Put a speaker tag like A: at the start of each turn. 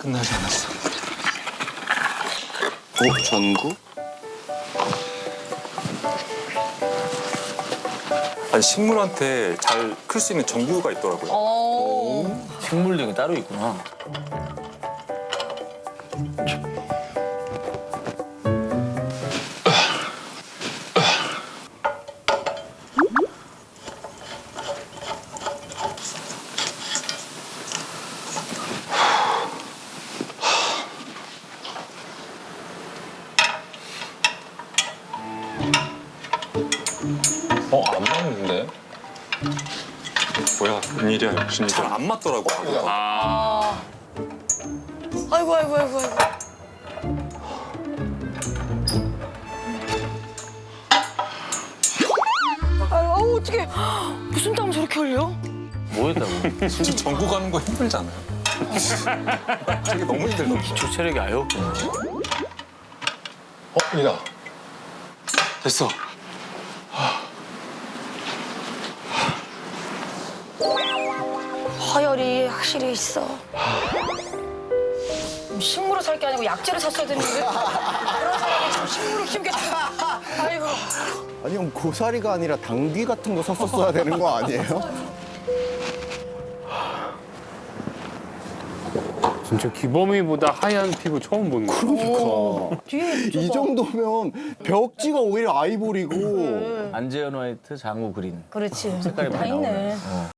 A: 끝나지 않았어.
B: 전구?
A: 아니 식물한테 잘 클 수 있는 전구가 있더라고요.
C: 식물등이 따로 있구나.
A: 안 맞는데? 뭐야, 웬일이야, 무슨 일이야. 잘 안 맞더라고.
D: 아이고 아이고 아이고 아이고. 아유 어떡해. 무슨 땀 저렇게 흘려?
C: 뭐 했다고?
A: 지금 전구 가는 거 힘들잖아요. 되게 너무 힘들더라고.
C: 기초 체력이 아예 없구나.
A: 이다. 됐어.
D: 허열이 확실히 있어. 식물을 살 게 아니고 약재를 샀어야 되는데 그런 사람이 지금 식물을 키우겠다. 아이고.
B: 아니 형 고사리가 아니라 당귀 같은 거 샀었어야 되는 거 아니에요?
E: 진짜 기범이보다 하얀 피부 처음 보는 거야.
B: 그러니까
D: 뒤에
B: 이 정도면 벽지가 오히려 아이보리고
C: 안재현 화이트, 장우 그린.
D: 그렇지.
C: 색깔이
D: 다
C: 많이
D: 있네.
C: 나오네.